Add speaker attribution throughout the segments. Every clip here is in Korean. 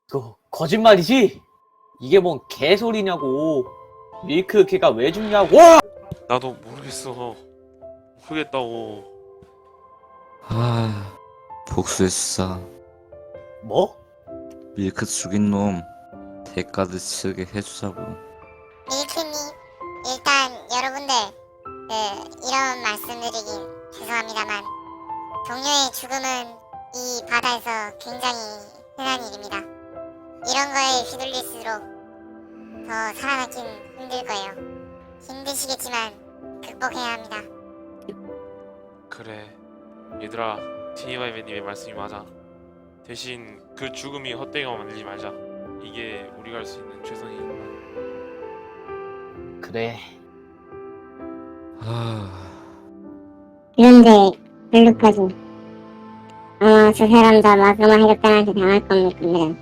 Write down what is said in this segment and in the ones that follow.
Speaker 1: 거짓말이지? 이게 뭔 개소리냐고. 밀크 걔가 왜 죽냐고.
Speaker 2: 나도 모르겠어. 모르겠다고.
Speaker 3: 아, 복수했어.
Speaker 1: 뭐?
Speaker 3: 밀크 죽인 놈 대가를 치르게 해주자고.
Speaker 4: 밀크님, 일단 여러분들 이런 말씀드리긴 죄송합니다만 동료의 죽음은 이 바다에서 굉장히 흔한 일입니다. 이런 거에 휘둘릴수록 더 살아남긴 힘들 거예요. 힘드시겠지만 극복해야 합니다.
Speaker 2: 그래. 얘들아, 티니바이맨님의 말씀이 맞아. 대신 그 죽음이 헛되게만 만들지 말자. 이게 우리가 할 수 있는 최선이니까.
Speaker 1: 그래.
Speaker 4: 그런데 블루까지 아마 저 사람 다 마그마 해적단한테 당할 겁니다.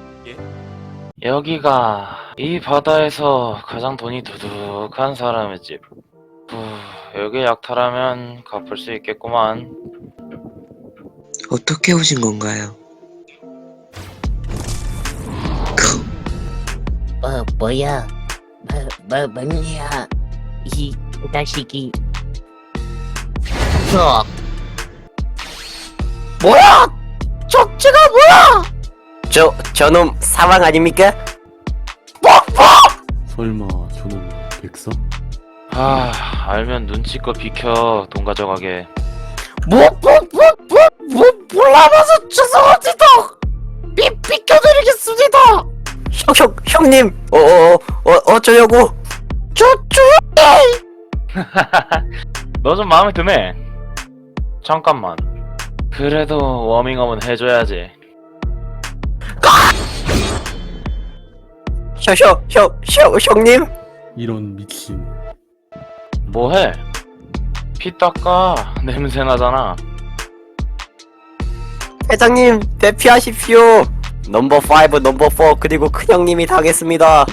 Speaker 5: 여기가 이 바다에서 가장 돈이 두둑한 사람의 집. 여기 약탈하면 갚을 수 있겠구만.
Speaker 6: 어떻게 오신 건가요?
Speaker 7: 뭐야? 뭔일이야? 이 자식이. 뭐야? 적지가 뭐야? 저놈 사망 아닙니까?
Speaker 8: 설마 저놈 백사?
Speaker 5: 알면 눈치껏 비켜. 돈 가져가게.
Speaker 7: 몰라봐서 죄송합니다. 비켜드리겠습니다. 형님, 어쩌려고?
Speaker 5: 너 좀 마음에 드네. 잠깐만. 그래도 워밍업은 해줘야지.
Speaker 7: 형님?
Speaker 8: 이런 미친.
Speaker 5: 뭐해? 피 닦아. 냄새 나잖아.
Speaker 7: 회장님, 대피하십시오. 넘버 5, 넘버 4, 그리고 큰형님이 당했습니다.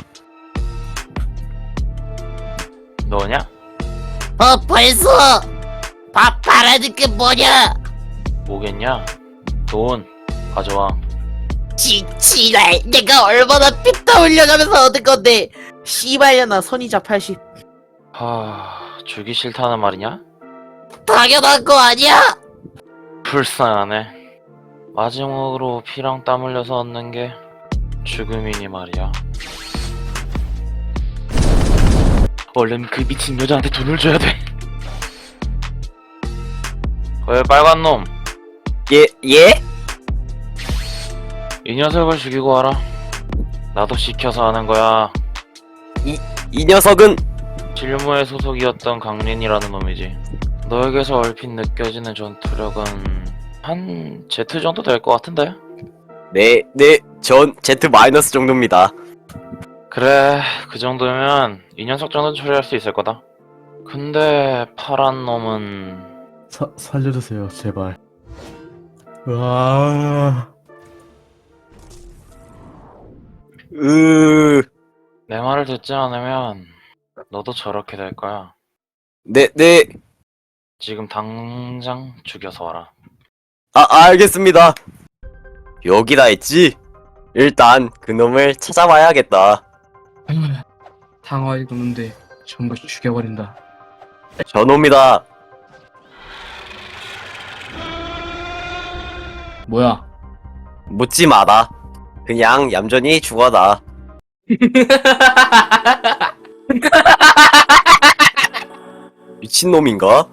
Speaker 5: 너냐?
Speaker 7: 벌써! 바라는 게 뭐냐?
Speaker 5: 뭐겠냐? 돈 가져와.
Speaker 7: 지랄, 내가 얼마나 피땀 흘려가면서 얻은 건데. 씨발려나 선이자 80.
Speaker 5: 주기 싫다는 말이냐?
Speaker 7: 당연한 거 아니야?
Speaker 5: 불쌍하네. 마지막으로 피랑 땀 흘려서 얻는 게 죽음이니 말이야. 얼른 그 미친 여자한테 돈을 줘야 돼. 왜 빨간 놈?
Speaker 7: 예?
Speaker 5: 이 녀석을 죽이고 와라. 나도 시켜서 하는 거야.
Speaker 7: 이 녀석은
Speaker 5: 진료모의 소속이었던 강린이라는 놈이지. 너에게서 얼핏 느껴지는 전투력은 한 Z 정도 될 것 같은데?
Speaker 7: 네, 전 Z 마이너스 정도입니다.
Speaker 5: 그래, 그 정도면 이 녀석 정도는 처리할 수 있을 거다. 근데 파란 놈은
Speaker 8: 살려주세요 제발. 와.
Speaker 5: 내 말을 듣지 않으면 너도 저렇게 될 거야.
Speaker 7: 네.
Speaker 5: 지금 당장 죽여서 와라.
Speaker 7: 알겠습니다. 여기다 했지? 일단 그놈을 찾아봐야겠다.
Speaker 9: 당화의 놈인데 전부 죽여버린다.
Speaker 7: 저놈이다.
Speaker 9: 뭐야?
Speaker 7: 묻지 마라. 그냥 얌전히 죽어라. 미친놈인가?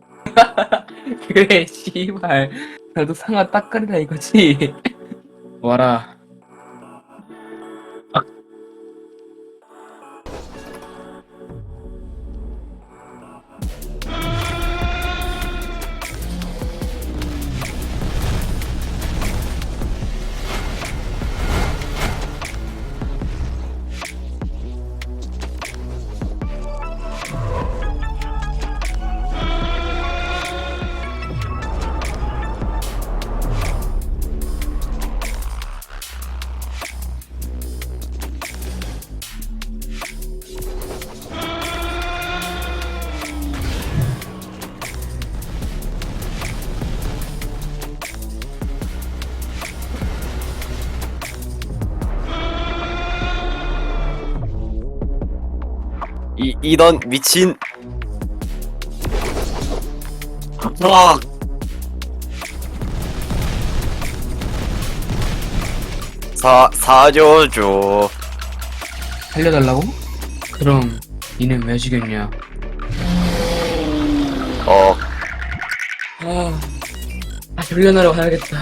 Speaker 9: 그래, 씨발. 나도 상아 딱거리라 이거지. 와라.
Speaker 6: 이런 미친. 아! 사줘줘.
Speaker 9: 살려달라고? 그럼 니는 왜 죽였냐? 훈련하러 가야겠다.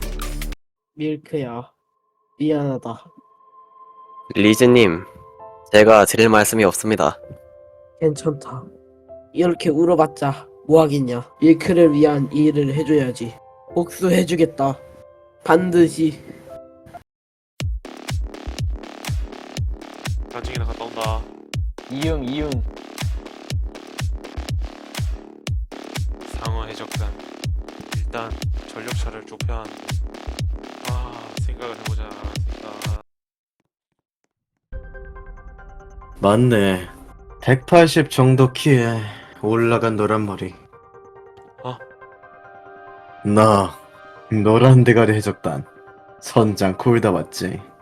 Speaker 7: 밀크야, 미안하다.
Speaker 6: 리즈님, 제가 드릴 말씀이 없습니다.
Speaker 7: 괜찮다. 이렇게 울어봤자 뭐하겠냐. 밀크를 위한 일을 해줘야지. 복수해주겠다. 반드시.
Speaker 2: 나중에나 갔다 온다.
Speaker 1: 이응.
Speaker 2: 상어 해적단. 일단 전력차를 좁혀야 하는. 생각을 해보자.
Speaker 10: 맞네. 180 정도 키에 올라간 노란 머리. 나 노란 대가리 해적단 선장 콜다 맞지?